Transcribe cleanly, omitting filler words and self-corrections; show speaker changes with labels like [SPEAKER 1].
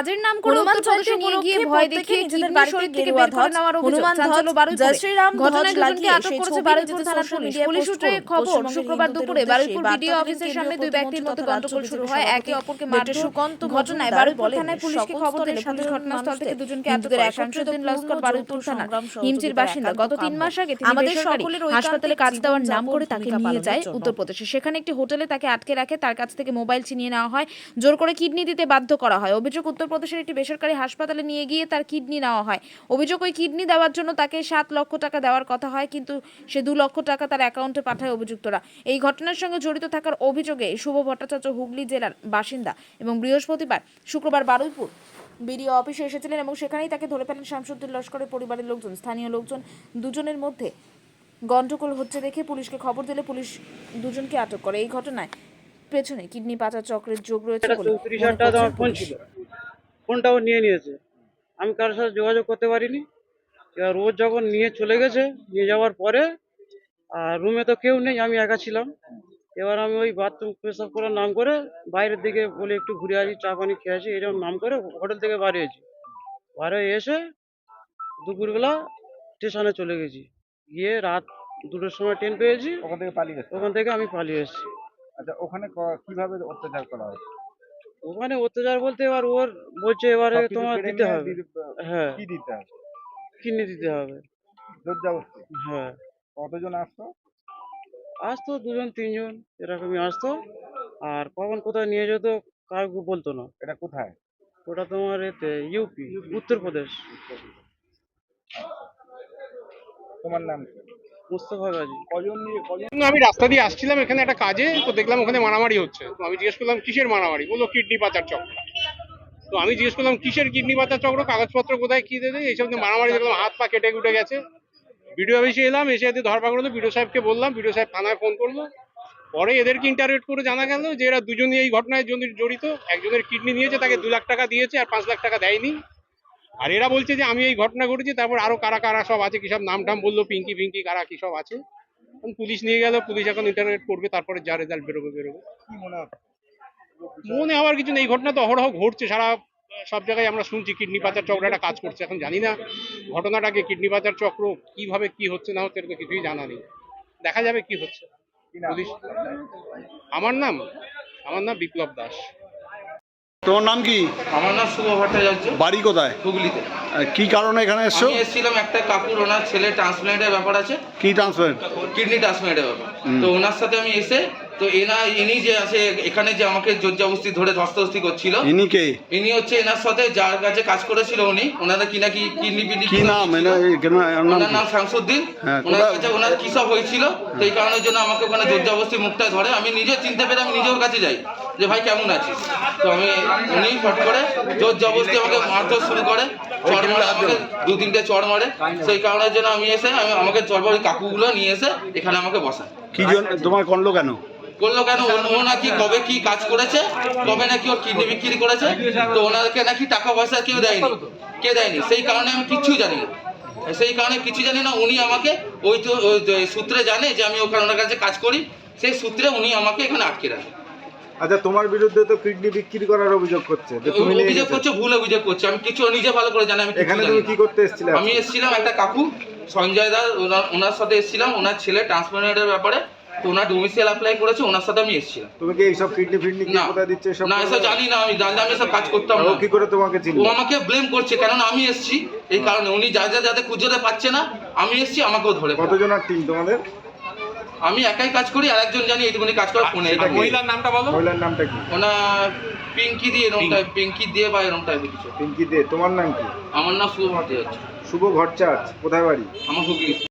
[SPEAKER 1] কাজের নাম করে উত্তরপ্রদেশে নিয়ে গিয়ে ভয় দেখিয়ে নিজেদের বাড়িতে থেকে বের করে নেওয়ার অভিযোগ চাঞ্চল্য বারুইপুরে। ঘটনায় দুজনকে আটক করেছে বারুইপুর থানার পুলিশ। পুলিশ সূত্রে খবর, শুক্রবার দুপুরে বারুইপুর বিডিও অফিসের সামনে দুই ব্যক্তির মধ্যে গন্ডগোল শুরু হয়। একে অপরকে মারধর। ঘটনায় বারুইপুর থানায় পুলিশকে খবর দিলে পুলিশ ঘটনাস্থল থেকে দুজনকে আটক করে। শামসুদ্দিন লস্কর বারুইপুর থানার হিমচির বাসিন্দা। গত 3 মাস আগে তিনি বেসরকারি হাসপাতালে কাজ দেওয়ার নাম করে তাকে নিয়ে যায় উত্তরপ্রদেশে। সেখানে একটি হোটেলে তাকে আটকে রাখে, তার কাছ থেকে মোবাইল ছিনিয়ে নেওয়া হয়, জোর করে কিডনি দিতে বাধ্য করা হয়। অভিযোগ, উত্তরপ্রদেশের একটি বেসরকারি হাসপাতালে নিয়ে গিয়ে তার কিডনি নেওয়া হয়। অভিযোগ, ওই কিডনি দেওয়ার জন্য তাকে 7 লক্ষ টাকা দেওয়ার কথা হয়, কিন্তু সে 2 লক্ষ টাকা তার অ্যাকাউন্টে পাঠায় অভিযুক্তরা। এই ঘটনার সঙ্গে জড়িত থাকার অভিযোগে শুভ ভট্টাচার্য হুগলি জেলার বাসিন্দা এবং শুক্রবার বারুইপুর বিডিও অফিসে এসেছিলেন এবং সেখানেই তাকে ধরে ফেলেন শামসুদ্দিন লস্করের পরিবারের লোকজন। স্থানীয় লোকজন দুজনের মধ্যে গন্ডগোল হচ্ছে দেখে পুলিশকে খবর দিলে পুলিশ দুজনকে আটক করে। এই ঘটনায় পেছনে কিডনি পাচার চক্রের যোগ রয়েছে বলে
[SPEAKER 2] 34,000 টাকা আমার ফোন ছিল, ফোনটাও নিয়ে নিয়েছে। আমি কারোর সাথে যোগাযোগ করতে পারিনি। এবার রোজ যখন নিয়ে চলে গেছে, নিয়ে যাওয়ার পরে আর রুমে তো কেউ নেই, আমি একা ছিলাম। এবার আমি ওই বাথরুম পেশাব করার নাম করে বাইরের দিকে বলে একটু ঘুরে আসি, চা পানি খেয়ে আসি, এরকম নাম করে হোটেল থেকে বাড়িয়েছি। বাইরে এসে দুপুরবেলা স্টেশনে চলে গেছি, গিয়ে রাত 2টোর সময় ট্রেন পেয়েছি, ওখান থেকে আমি পালিয়ে এসেছি।
[SPEAKER 3] আচ্ছা, ওখানে কিভাবে অত্যাচার করা হয়?
[SPEAKER 2] ওখানে অত্যাচার বলতে এবার ওর বলছে এবারে তোমার দিতে হবে। হ্যাঁ,
[SPEAKER 3] কি দিতে হবে?
[SPEAKER 2] কিনে দিতে হবে।
[SPEAKER 3] জোরজবরদস্তি?
[SPEAKER 2] হ্যাঁ,
[SPEAKER 3] কতজন আসতো?
[SPEAKER 2] আসতো 2জন 3জন এরকমই আসতো। আর কখন কোথায় নিয়ে যেত কাউকে বলতো না।
[SPEAKER 3] এটা কোথায়?
[SPEAKER 2] ওটা তোমার এতে ইউপি, উত্তরপ্রদেশ।
[SPEAKER 3] তোমার নাম কি?
[SPEAKER 2] মুস্তফা গাজী।
[SPEAKER 3] কজন নিয়ে কজন?
[SPEAKER 4] আমি রাস্তা দিয়ে আসছিলাম এখানে একটা কাজে, তো দেখলাম ওখানে মারামারি হচ্ছে। তো আমি জিজ্ঞেস করলাম কিসের মারামারি, বললো কিডনি পাচার চক্র। তো আমি জিজ্ঞেস করলাম কিসের কিডনি পাচার চক্র, কাগজপত্র কোথায়, কি দেবে, এইসব নিয়ে মারামারি। দেখলাম হাত পা কেটে কুটে গেছে। বিডিও অফিসে এলাম, এসে এদের ধরপাকড় হলো। বিডিও সাহেবকে বললাম, বিডিও সাহেব থানায় ফোন করলো। পরে এদেরকে ইন্টারভিউ করে জানা গেল যে এরা দুজনই এই ঘটনায় জড়িত। একজনের কিডনি নিয়েছে, তাকে 2 লাখ টাকা দিয়েছে, আর 5 লাখ টাকা দেয়নি। আর এরা বলছে যে আমি এই ঘটনা ঘটেছি। তারপর আরো কারা কারা সব আছে, কি সব নাম টাম বললো, পিঙ্কি ফিঙ্কি কারা কি সব আছে। পুলিশ নিয়ে গেল, পুলিশ এখন ইন্টারভিউ করবে, তারপরে যা রেজাল্ট বেরোবে।
[SPEAKER 3] কি মনে হচ্ছে?
[SPEAKER 4] মনে হওয়ার কিছু নেই, এই ঘটনা তো অহরহ ঘটছে, সব জায়গায় আমরা শুনছি কিডনি পাচার চক্র একটা কাজ করছে। এখন জানি না ঘটনাটাকে, কিডনি পাচার চক্র কিভাবে কি হচ্ছে না হচ্ছে, এটা কিছুই জানা নেই। দেখা যাবে কি হচ্ছে। পুলিশ। আমার নাম বিপ্লব দাস।
[SPEAKER 5] তোমার নাম কি?
[SPEAKER 6] আমার নাম শুভ ভট্টাচার্য।
[SPEAKER 5] বাড়ি কোথায়?
[SPEAKER 6] হুগলিতে।
[SPEAKER 5] কি কারণে এখানে এসছো?
[SPEAKER 6] আমি এসেছিলাম একটা কাকুর, ওনার ছেলে ট্রান্সপ্লান্টের ব্যাপার আছে।
[SPEAKER 5] কি ট্রান্সফার?
[SPEAKER 6] কিডনি ট্রান্সপ্লান্টের ব্যাপার। তো ওনার সাথে আমি এসে, তো ইনি যে আছে এখানে, যে আমাকে জোরজবরদস্তি ধরে ধস্তাধস্তি করছিল।
[SPEAKER 5] ইনি কে?
[SPEAKER 6] ইনি হচ্ছে এনার সাথে যার কাছে কাজ করেছিল উনি, ওনারা কি নাকি কিডনি
[SPEAKER 5] কি নাম?
[SPEAKER 6] ওনার নাম শামসুদ্দিন। ওনার কাছে ওনার কি সব হয়েছিল, তো এই কারণের জন্য আমাকে ওখানে জোরজবরদস্তি মুখটা ধরে। আমি নিজে চিনতে পেরে আমি নিজে ওর কাছে যাই যে ভাই কেমন আছিস। তো উনি ফট করে জোরজবরদস্তি আমাকে মারধর শুরু করে, চড় মারে, আমাকে 2-3টে চড় মারে। সেই কারণের জন্য আমি এসে আমাকে চড় ওই কাকুগুলো নিয়ে এসে এখানে আমাকে বসায়।
[SPEAKER 5] কি জন্য তোমার করলো কেন?
[SPEAKER 6] ও নাকি কবে কি কাজ করেছে, কবে নাকি ওর কিডনি বিক্রি করেছে, তো ওনাকে নাকি টাকা পয়সা কেউ দেয়নি। সেই কারণে আমি কিচ্ছু জানি না। উনি আমাকে ওই সূত্রে জানে যে আমি ওনার কাছে কাজ করি, সেই সূত্রে উনি আমাকে এখানে আটকে রাখে।
[SPEAKER 3] আচ্ছা, তোমার বিরুদ্ধে তো কিডনি বিক্রি করার অভিযোগ করছে, যে তুমি
[SPEAKER 6] অভিযোগ করছে, ভুল অভিযোগ করছে। আমি কিছু নিজে ভালো করে জানি। আমি
[SPEAKER 3] এখানে তুমি কি করতে এসেছিলে?
[SPEAKER 6] আমি এসেছিলাম একটা কাকু সঞ্জয় দা, ওনার সাথে এসেছিলাম, ওনার ছেলে ট্রান্সপ্লান্টের ব্যাপারে। তো ওনার ডোমিসাইল অ্যাপ্লাই করেছে, ওনার সাথে আমি এসেছিলাম।
[SPEAKER 3] তুমি কি এইসব কিডনি ফিডনি কি কোথায় দিচ্ছে এসব?
[SPEAKER 6] না, এসব জানি না। আমি জানলে আমি এসব কাজ করতাম না।
[SPEAKER 3] কি করে তোমাকে চিনলো?
[SPEAKER 6] ও আমাকে ব্লেম করছে, কারণ আমি এসেছি এই কারণে। উনি যাতে খুঁজতে পাচ্ছে না, আমি এসেছি, আমাকেও ধরে।
[SPEAKER 3] কতজনের টিম তোমাদের?
[SPEAKER 6] আমি একাই কাজ করি, আর একজন জানি এইটুকুনি কাজ করে ফোনে।
[SPEAKER 4] মহিলার নামটা বলো।
[SPEAKER 3] মহিলার নামটা কি?
[SPEAKER 6] ওনার পিঙ্কি দিয়ে এরকম টাইপ, পিঙ্কি দিয়ে বা এরকম টাইপের কিছু।
[SPEAKER 3] পিঙ্কি দে। তোমার নাম কি?
[SPEAKER 6] আমার নাম শুভ ভট্টাচার্য।
[SPEAKER 3] শুভ ভট্টাচার্য। কোথায় বাড়ি?
[SPEAKER 6] আমার হুগলি।